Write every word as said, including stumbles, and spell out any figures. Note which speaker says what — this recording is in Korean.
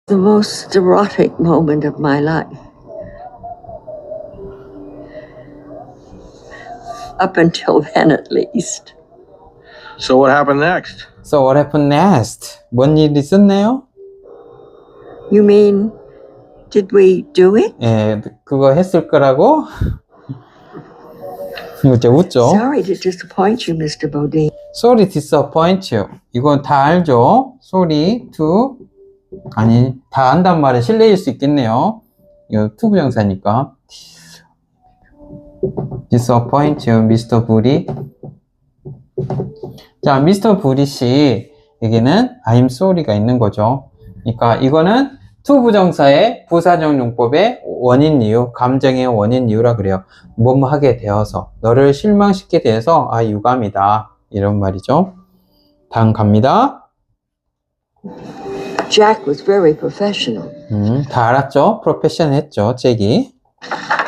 Speaker 1: The most erotic moment of my life. Up until then, at least.
Speaker 2: So what happened next?
Speaker 3: So what happened next? 뭔 일 있었나요?
Speaker 1: You mean, did we do it?
Speaker 3: 예, 그거 했을 거라고? 웃죠, 웃죠.
Speaker 1: Sorry to disappoint you, Mister Bodine.
Speaker 3: Sorry to disappoint you. 이건 다 알죠? Sorry to 아니, 다 안단 말은 실례일 수 있겠네요. 이거 to 부정사니까. disappoint you, 미스터 부리. 자, 미스터 부리 씨, 여기는 I'm sorry가 있는 거죠. 그러니까 이거는 to 부정사의 부사적 용법의 원인 이유, 감정의 원인 이유라 그래요. 뭐뭐 하게 되어서, 너를 실망시키게 돼서 아, 유감이다. 이런 말이죠. 다음 갑니다.
Speaker 1: Jack was very professional.
Speaker 3: 음, 다 알았죠? 프로페셔널 했죠, 잭이.